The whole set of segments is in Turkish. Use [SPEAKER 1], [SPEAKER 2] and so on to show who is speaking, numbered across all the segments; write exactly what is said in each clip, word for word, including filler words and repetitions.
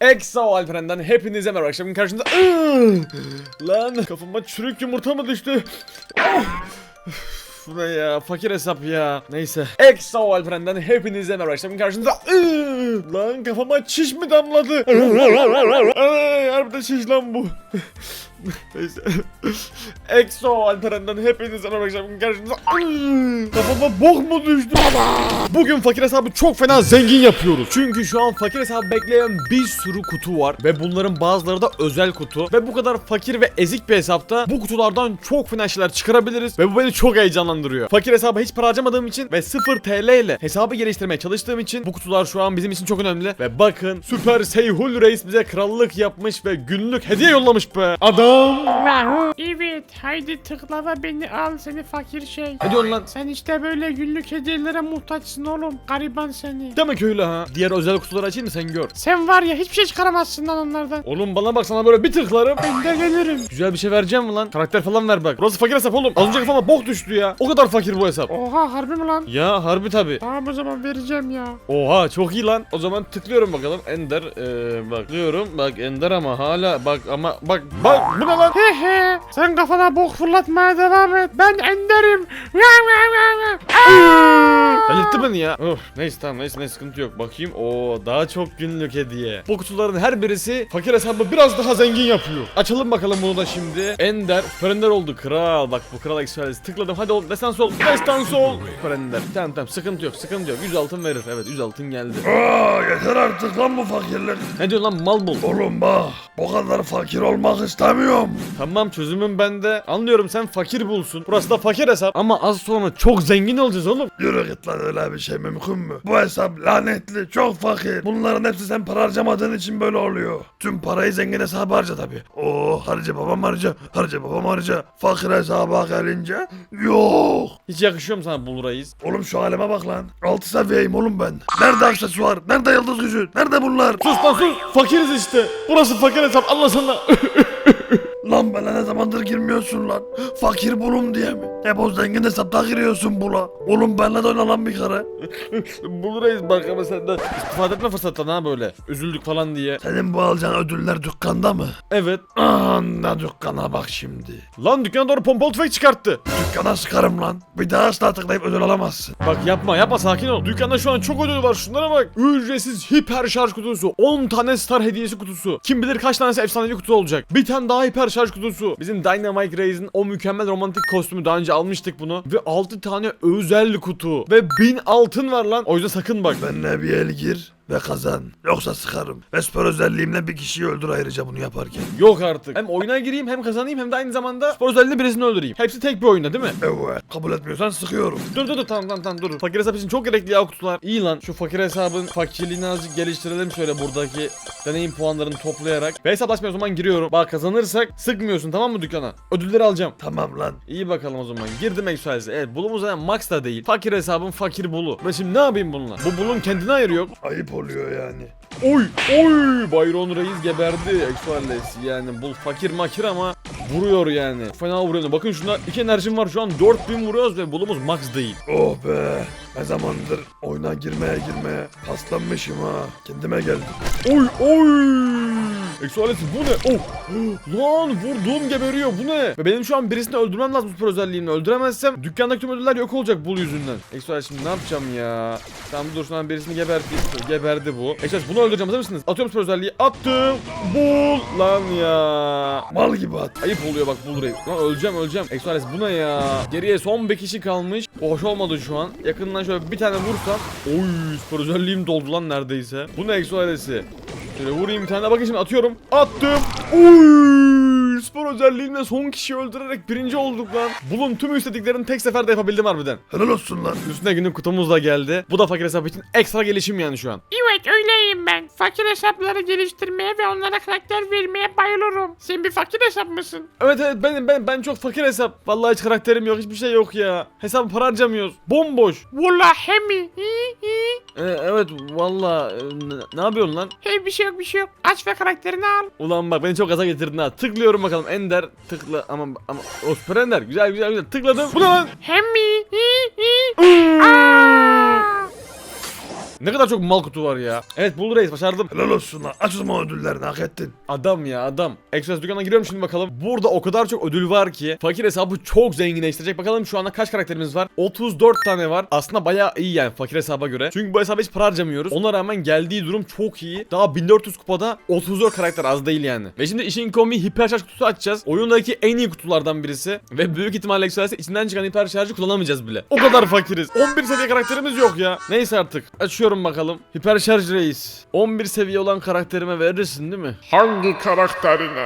[SPEAKER 1] Exo Alperen'den hepinize merhaba. Akşamın karşınızda lan kafama çürük yumurta mı düştü? Bu ne ya, fakir hesap ya. Neyse. Exo Alperen'den hepinize merhaba. Akşamın karşınızda lan kafama çiş mi damladı? Ay, harbiden şiş lan bu. Neyse. Exo Alperen'den hepinize merhaba. Akşamın karşınızda kafama bok mu düştü? Bugün fakir hesabı çok fena zengin yapıyoruz. Çünkü şu an fakir hesabı bekleyen bir sürü kutu var. Ve bunların bazıları da özel kutu. Ve bu kadar fakir ve ezik bir hesapta bu kutulardan çok fena şeyler çıkarabiliriz. Ve bu beni çok heyecanlandırıyor. Fakir hesabı hiç para harcamadığım için ve sıfır T L ile hesabı geliştirmeye çalıştığım için bu kutular şu an bizim için çok önemli. Ve bakın, Süper Seyhul Reis bize krallık yapmış ve günlük hediye yollamış be. Adam.
[SPEAKER 2] Evet, haydi tıkla ve beni al seni fakir şey.
[SPEAKER 1] Ne diyorsun lan?
[SPEAKER 2] Sen işte böyle günlük hediyelere muhtaçsın oğlum. Gariban seni.
[SPEAKER 1] Demek öyle ha. Diğer özel kutuları açayım mı, sen gör.
[SPEAKER 2] Sen var ya hiçbir şey çıkaramazsın lan onlardan.
[SPEAKER 1] Oğlum bana bak, sana böyle bir tıklarım.
[SPEAKER 2] Ben de gelirim.
[SPEAKER 1] Güzel bir şey vereceğim mi lan? Karakter falan ver bak. Burası fakir hesap oğlum. Az önce kafama bok düştü ya. O kadar fakir bu hesap.
[SPEAKER 2] Oha, harbi mi lan?
[SPEAKER 1] Ya harbi tabi.
[SPEAKER 2] Tamam, o zaman vereceğim ya.
[SPEAKER 1] Oha çok iyi lan. O zaman tıklıyorum bakalım. Ender ee, bak tıklıyorum. Bak Ender ama hala bak ama bak bak bu ne lan?
[SPEAKER 2] He he. Sen kafana bok fırlatmaya devam et. Ben Ender'im.
[SPEAKER 1] Delirtti beni ya. Of, neyse tamam neyse neyse sıkıntı yok. Bakayım. Oo daha çok günlük hediye. Bu kutuların her birisi fakir hesabı biraz daha zengin yapıyor. Açalım bakalım bunu da şimdi. Ender. Süper Ender oldu. Kral. Bak bu kral ekstralesi. Tıkladım. Hadi ol. Destan sol. Destan sol. Süper Ender. Tamam tamam sıkıntı yok. Sıkıntı yok. yüz altın verir. Evet yüz altın geldi.
[SPEAKER 3] Aa, yeter artık lan bu fakirlik.
[SPEAKER 1] Ne diyorsun lan mal bul.
[SPEAKER 3] Oğlum bak, bu kadar fakir olmak istemiyorum.
[SPEAKER 1] Tamam çözümüm bende. Anlıyorum sen fakir bulsun. Burası da fakir hesap. Ama az sonra çok zengin olacağız oğlum.
[SPEAKER 3] Yürü git lan, öyle bir şey mümkün mü? Bu hesap lanetli, çok fakir. Bunların hepsi sen para harcamadığın için böyle oluyor. Tüm parayı zengin hesabı harca tabi. Oo, harca babam harca, harca babam harca. Fakir hesaba gelince yok.
[SPEAKER 1] Hiç yakışıyor mu sana Bul Reis?
[SPEAKER 3] Oğlum şu halime bak lan. Altı seviyeyim oğlum ben. Nerede aksesuar? Nerede yıldız gücü? Nerede bunlar?
[SPEAKER 1] Sus lan sus. Fakiriz işte. Burası fakir hesap. Anlasana.
[SPEAKER 3] Lan bana ne zamandır girmiyorsun lan? Fakir bulum diye mi? Hep o zengin hesapta giriyorsun bula. Oğlum benle de oyna lan bir kere.
[SPEAKER 1] Bul Reis bak ama senden istifade etme fırsattan ha böyle. Üzüldük falan diye.
[SPEAKER 3] Senin bu alacağın ödüller dükkanda mı?
[SPEAKER 1] Evet.
[SPEAKER 3] Anla dükkana bak şimdi.
[SPEAKER 1] Lan dükkana doğru pompalı tüfek çıkarttı.
[SPEAKER 3] Dükkana sıkarım lan. Bir daha asla tıklayıp ödül alamazsın.
[SPEAKER 1] Bak yapma yapma sakin ol. Dükkanda şu an çok ödül var, şunlara bak. Ücretsiz hiper şarj kutusu. on tane star hediyesi kutusu. Kim bilir kaç tanesi efsanevi kutu olacak. Bir tane daha hiper şarj kutusu. Bizim Dynamite Reis'in o mükemmel romantik kostümü, daha önce almıştık bunu. Ve altı tane özel kutu. Ve bin altın var lan. O yüzden sakın bak.
[SPEAKER 3] Benimle bir el gir ve kazan. Yoksa sıkarım. Ve spor özelliğimle bir kişiyi öldür ayrıca bunu yaparken.
[SPEAKER 1] Yok artık. Hem oyuna gireyim hem kazanayım hem de aynı zamanda spor özelliğinde birisini öldüreyim. Hepsi tek bir oyunda değil mi?
[SPEAKER 3] Evet. Kabul etmiyorsan sıkıyorum.
[SPEAKER 1] Dur dur dur tamam tamam tamam dur. Fakir hesap için çok gerekli ya kutular. İyi lan, şu fakir hesabın fakirliğini azıcık geliştirelim şöyle buradaki deneyim puanlarını toplayarak. Ve hesaplaşmaya o zaman giriyorum. Bak kazanırsak sıkmıyorsun tamam mı dükkana? Ödülleri alacağım.
[SPEAKER 3] Tamam lan.
[SPEAKER 1] İyi bakalım o zaman. Girdim Exoales'e. Evet bulumuz zaten max da değil. Fakir hesabın fakir bulu. Ben şimdi ne yapayım bununla? Bu bulun kendine ayırı yok.
[SPEAKER 3] Ayıp oluyor yani.
[SPEAKER 1] Oy oy Byron Reis geberdi Exoales. Yani bul fakir makir ama vuruyor yani. Fena vuruyor. Bakın şuna iki enerjim var şu an, dört bin vuruyoruz ve bulumuz max değil.
[SPEAKER 3] Oh be. Ne zamandır oyuna girmeye girmeye paslanmışım ha. Kendime geldim.
[SPEAKER 1] Oy oy. Exoales bu ne? Oh. Lan vurduğum geberiyor, bu ne? Ve benim şu an birisini öldürmem lazım süper özelliğimle. Öldüremezsem dükkandaki tüm ödüller yok olacak bul yüzünden. Exoales şimdi ne yapacağım ya? Tamam dur, şu an birisini geberteyim. Geberdi bu. Exoales bunu öldüreceğim, hazır mısınız? Atıyorum süper özelliği. Attım. Bul lan ya.
[SPEAKER 3] Mal gibi at.
[SPEAKER 1] Ayıp oluyor bak Bul Reis. Lan öleceğim öleceğim. Exoales bu ne ya? Geriye son bir kişi kalmış. Hoş olmadı şu an. Yakından şöyle bir tane vursam. Oy süper özelliğim doldu lan neredeyse. Bu ne Exoales'i? Şöyle vurayım bir tane daha, bakın şimdi atıyorum. Attım. Oy spor özelliğimle son kişiyi öldürerek birinci olduk lan. Bulun tüm istediklerini tek seferde yapabildim harbiden.
[SPEAKER 3] Helal olsun lan.
[SPEAKER 1] Üstüne günlük kutumuz da geldi. Bu da fakir hesap için ekstra gelişim yani şu an.
[SPEAKER 2] Evet, öyleyim ben. Fakir hesapları geliştirmeye ve onlara karakter vermeye bayılırım. Sen bir fakir hesap mısın?
[SPEAKER 1] Evet evet benim ben ben çok fakir hesap. Vallahi hiç karakterim yok, hiçbir şey yok ya. Hesabı para harcamıyoruz. Bomboş.
[SPEAKER 2] Vallahi mi? Hi, hi.
[SPEAKER 1] Ee, evet vallahi e, ne, ne yapıyorsun lan?
[SPEAKER 2] Hey, bir şey yok bir şey yok. Aç ve karakterini al.
[SPEAKER 1] Ulan bak beni çok gaza getirdin ha. Tıklıyorum bakalım Ender tıkla ama ama o süper Ender güzel güzel güzel tıkladım. Bu ne lan?
[SPEAKER 2] Hem mi? Hi, hi. Aa!
[SPEAKER 1] Ne kadar çok mal kutu var ya. Evet Bull Reis başardım.
[SPEAKER 3] Helal olsun lan. Aç o zaman ödüllerini, hak ettin.
[SPEAKER 1] Adam ya adam. Express dükkanına giriyorum şimdi bakalım. Burada o kadar çok ödül var ki fakir hesabı çok zenginleştirecek. Bakalım şu anda kaç karakterimiz var? otuz dört tane var. Aslında bayağı iyi yani fakir hesaba göre. Çünkü bu hesaba hiç para harcamıyoruz. Ona rağmen geldiği durum çok iyi. Daha bin dört yüz kupada otuz dört karakter az değil yani. Ve şimdi işin komiği hiper şarj kutusu açacağız. Oyundaki en iyi kutulardan birisi. Ve büyük ihtimalle Express'e içinden çıkan hiper şarjı kullanamayacağız bile. O kadar fakiriz. on bir seviye karakterimiz yok ya. Neyse artık. Açıyorum bakalım. Hiper şarj reis. on bir seviye olan karakterime verirsin değil mi?
[SPEAKER 2] Hangi karakterine?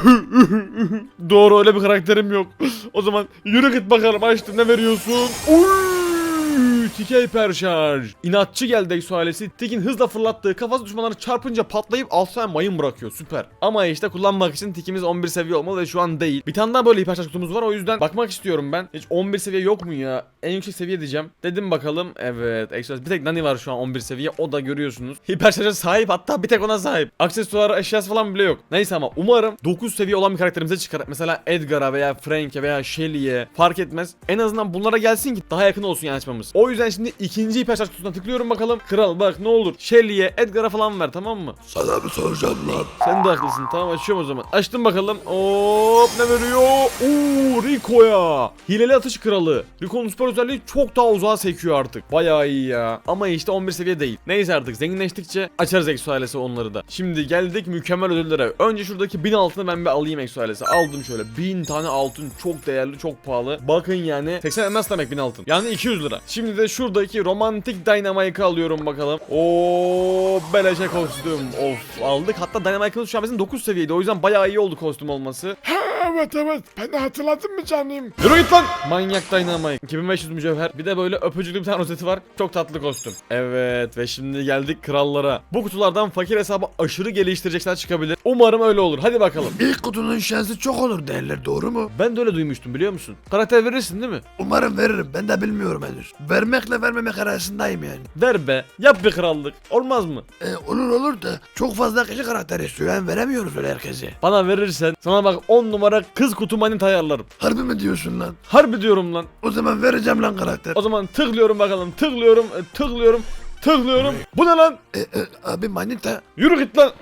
[SPEAKER 1] Doğru öyle bir karakterim yok. O zaman yürü git bakalım açtım ne veriyorsun? Uy! Tike hiper şarj. İnatçı geldi Exo ailesi. Tik'in hızla fırlattığı kafası düşmanları çarpınca patlayıp alt tane mayın bırakıyor. Süper. Ama işte kullanmak için Tik'imiz on bir seviye olmalı ve şu an değil. Bir tane daha böyle hiper şarj kutumuz var o yüzden bakmak istiyorum ben. Hiç on bir seviye yok mu ya? En yüksek seviye diyeceğim. Dedim bakalım. Evet. Exo bir tek Nani var şu an on bir seviye. O da görüyorsunuz. Hiper şarja sahip, hatta bir tek ona sahip. Aksesuar eşyası falan bile yok. Neyse ama umarım dokuz seviye olan bir karakterimize çıkar. Mesela Edgar'a veya Frank'e veya Shelly'e fark etmez. En azından bunlara gelsin ki daha yakın olsun yani açmamız. O yüzden şimdi ikinci hiper şarj kutusuna tıklıyorum bakalım. Kral bak ne olur Shelly'e, Edgar'a falan ver, tamam mı?
[SPEAKER 3] Sana mı soracağım lan?
[SPEAKER 1] Sen de haklısın. Tamam açıyorum o zaman. Açtım bakalım. Hop ne veriyor? Oo Rico'ya. Hileli atış kralı. Rico'nun süper özelliği çok daha uzağa sekiyor artık. Bayağı iyi ya. Ama işte on bir seviye değil. Neyse artık zenginleştikçe açarız Exo ailesi onları da. Şimdi geldik mükemmel ödüllere. Önce şuradaki bin altını ben bir alayım Exo ailesi. Aldım şöyle. bin tane altın. Çok değerli, çok pahalı. Bakın yani seksen elmas demek bin altın. Yani iki yüz lira. Şimdi de şuradaki romantik Dynamite'ı alıyorum bakalım. Oo beleşe kostüm. Of aldık. Hatta Dynamite'ımız şu an bizim dokuz seviyeydi. O yüzden bayağı iyi oldu kostüm olması.
[SPEAKER 2] Ha, evet evet. Ben de hatırladın mı canım?
[SPEAKER 1] Yürü git lan. Manyak Dynamite. iki bin beş yüz mücevher. Bir de böyle öpücüklü bir tane rozeti var. Çok tatlı kostüm. Evet ve şimdi geldik krallara. Bu kutulardan fakir hesabı aşırı geliştirecekler çıkabilir. Umarım öyle olur. Hadi bakalım.
[SPEAKER 3] İlk kutunun şansı çok olur derler, doğru mu?
[SPEAKER 1] Ben de öyle duymuştum biliyor musun? Karakter verirsin değil mi?
[SPEAKER 3] Umarım veririm, ben de bilmiyorum henüz. Vermekle vermemek arasındayım yani.
[SPEAKER 1] Ver be. Yap bir krallık. Olmaz mı?
[SPEAKER 3] E, olur olur da çok fazla kişi karakter istiyor, yani veremiyoruz öyle herkese.
[SPEAKER 1] Bana verirsen sana bak on numara kız kutu manita ayarlarım.
[SPEAKER 3] Harbi mi diyorsun lan?
[SPEAKER 1] Harbi diyorum lan.
[SPEAKER 3] O zaman vereceğim lan karakter.
[SPEAKER 1] O zaman tıklıyorum bakalım. Tıklıyorum. e, Tıklıyorum. Tıklıyorum. Bu ne lan?
[SPEAKER 3] E, e, abi manita.
[SPEAKER 1] Yürü git lan.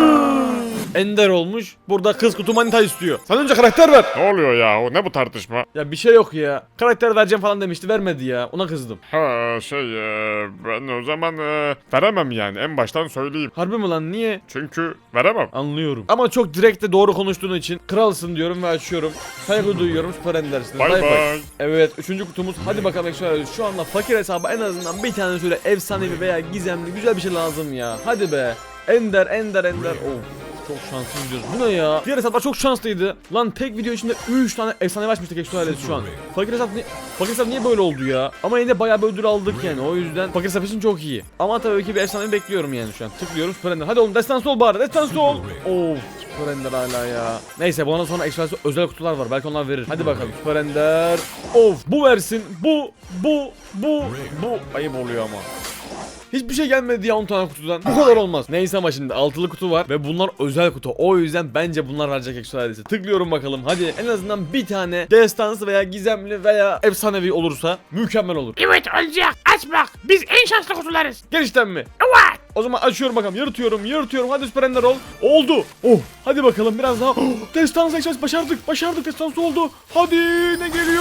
[SPEAKER 1] Ender olmuş. Burada kız kutu manita istiyor. Sen önce karakter ver.
[SPEAKER 2] Ne oluyor ya? O ne bu tartışma?
[SPEAKER 1] Ya bir şey yok ya. Karakter vereceğim falan demişti. Vermedi ya. Ona kızdım.
[SPEAKER 2] Ha şey e, ben o zaman e, veremem yani en baştan söyleyeyim.
[SPEAKER 1] Harbi mi lan? Niye?
[SPEAKER 2] Çünkü veremem.
[SPEAKER 1] Anlıyorum. Ama çok direkt de doğru konuştuğun için kralsın diyorum ve açıyorum. Saygı duyuyorum. Süper Ender'sin.
[SPEAKER 2] Bay bay.
[SPEAKER 1] Evet üçüncü kutumuz. Hadi bakalım şöyle. Şu anda fakir hesabı en azından bir tane şöyle efsanevi veya gizemli güzel bir şey lazım ya. Hadi be. Ender Ender Ender. Of. Çok şanslı gidiyoruz. Bu ne ya? Diğer hesaplar çok şanslıydı. Lan tek video içinde üç tane efsane açmıştık Exo ailesi şu an. Fakir hesap, ni fakir hesap niye böyle oldu ya? Ama yine de bayağı bir ödül aldık yani. O yüzden fakir hesap için çok iyi. Ama tabii ki bir efsane bekliyorum yani şu an. Tıklıyorum Super Ender. Hadi oğlum destansı ol bari. Destansı ol. Of. Super Ender hala ya. Neyse bundan sonra Exo ailesi özel kutular var. Belki onlar verir. Hadi bakalım Super Ender. Of. Bu versin. Bu. Bu. Bu. Bu. Ayıp oluyor ama. Hiçbir şey gelmedi ya on tane kutudan. Bu kadar olmaz. Neyse ama şimdi altılı kutu var ve bunlar özel kutu. O yüzden bence bunlar verecek Exo ailesi. Tıklıyorum bakalım. Hadi en azından bir tane destansı veya gizemli veya efsanevi olursa mükemmel olur.
[SPEAKER 2] Evet olacak. Aç bak. Biz en şanslı kutularız.
[SPEAKER 1] Gerçekten mi?
[SPEAKER 2] Evet.
[SPEAKER 1] O zaman açıyorum bakalım. Yırtıyorum, yırtıyorum. Hadi Super Ender ol. Oldu. Oh. Hadi bakalım biraz daha. Oh, destansı Exo ailesi başardık. Başardık. Destansı oldu. Hadi ne geliyor?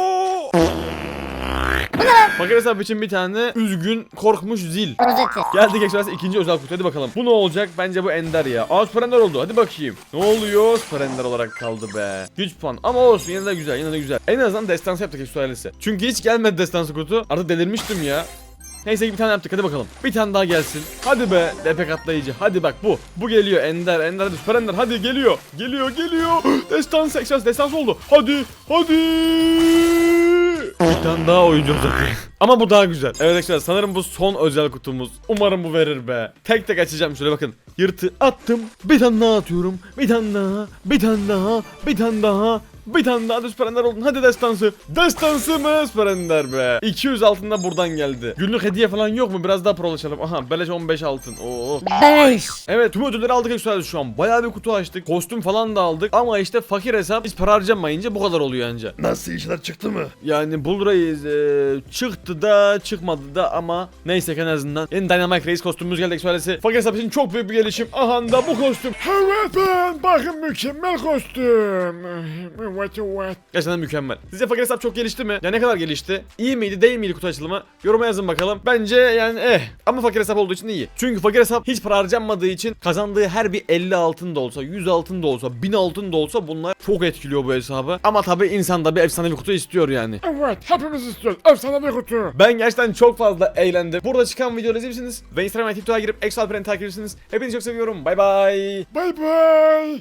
[SPEAKER 1] Fakir hesap için bir tane üzgün korkmuş zil.
[SPEAKER 4] Rozeti.
[SPEAKER 1] Geldik Express ikinci özel kutu, hadi bakalım. Bu ne olacak? Bence bu Ender ya. Aa Super Ender oldu, hadi bakayım. Ne oluyor? Super Ender olarak kaldı be. Güç puan ama olsun, yine de güzel, yine de güzel. En azından destansı yaptık Express ailesi. Çünkü hiç gelmedi destansı kutu. Artık delirmiştim ya. Neyse ki bir tane yaptık, hadi bakalım. Bir tane daha gelsin. Hadi be D P katlayıcı. Hadi bak bu. Bu geliyor Ender. Ender hadi Super Ender hadi geliyor. Geliyor geliyor. Destansı Express destansı oldu. Hadi hadi. Bir tane daha oyuncu olacak. Ama bu daha güzel. Evet arkadaşlar sanırım bu son özel kutumuz. Umarım bu verir be. Tek tek açacağım şöyle bakın. Yırtı attım. Bir tane daha atıyorum. Bir tane daha. Bir tane daha. Bir tane daha. Bir tane daha da süper ender oldun. Hadi destansı. Destansı mı süper ender be. iki yüz altında buradan geldi. Günlük hediye falan yok mu? Biraz daha prolaşalım. Aha beleş on beş altın. Oo.
[SPEAKER 4] beş.
[SPEAKER 1] Evet tüm ödülleri aldık Exoal'de şu an. Bayağı bir kutu açtık. Kostüm falan da aldık. Ama işte fakir hesap hiç para harcamayınca bu kadar oluyor anca.
[SPEAKER 3] Nasıl işler çıktı mı?
[SPEAKER 1] Yani Bull Reis e, çıktı da çıkmadı da ama neyse en azından. Yeni Dynamite Reis kostümümüz geldi Exoal'de. Fakir hesap için çok büyük bir gelişim. Aha da bu kostüm.
[SPEAKER 5] Evet ben bakın mükemmel kostüm. Evet evet.
[SPEAKER 1] Gerçekten mükemmel. Sizce fakir hesap çok gelişti mi? Ya ne kadar gelişti? İyi miydi değil miydi kutu açılımı? Yoruma yazın bakalım. Bence yani eh. Ama fakir hesap olduğu için iyi. Çünkü fakir hesap hiç para harcanmadığı için kazandığı her bir elli altın da olsa, yüz altın da olsa, bin altın da olsa bunlar çok etkiliyor bu hesabı. Ama tabi insan da bir efsane bir kutu istiyor yani.
[SPEAKER 5] Evet hepimiz istiyoruz. Efsane bir kutu.
[SPEAKER 1] Ben gerçekten çok fazla eğlendim. Burada çıkan videoları izleyebilirsiniz. Ve Instagram ve TikTok'a girip Exo Alperen'i takip edebilirsiniz. Hepinizi çok seviyorum. Bay bay.
[SPEAKER 5] Bay bay.